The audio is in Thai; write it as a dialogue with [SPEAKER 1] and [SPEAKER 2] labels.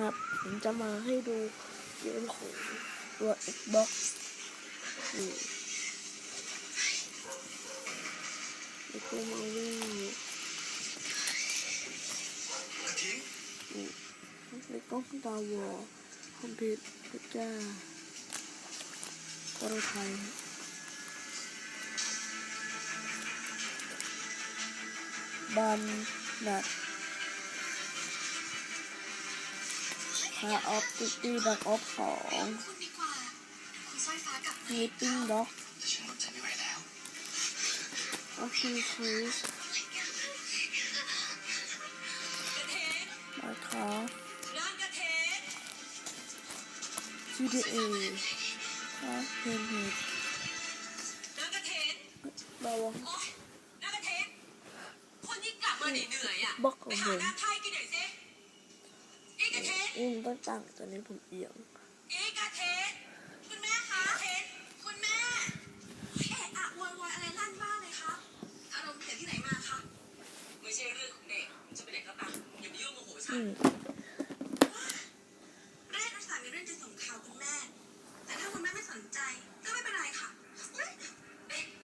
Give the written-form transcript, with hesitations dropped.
[SPEAKER 1] นะครับผมจะมาให้ดูเกมของตัว Xbox นี่แล้วก็มาวิ่งในกล้องดาววอลคอมพิวเตอร์จ้าโปรไทยบันนัดคาออฟติตี้ดักออฟ2มีติ้งด็อกออฟฟิศมาคาGTA เพนเฮดบาวบล็อกของผมต้องตั้งตอนนี้ผมเอียง
[SPEAKER 2] คุณแม่คะคุณแม่เอะอะโวยวายอะไรลั่นบ้านเลยคะอารมณ์เสียที่ไหนมาคะไม่ใช่เรื่องของเด็กจะเป็นเด็กก็ตามอย่ามายุ่งโมโหฉันแรกรักษามีเรื่องจะส่งข่าวคุณแม่แต่ถ้าคุณแม่ไม่สนใจ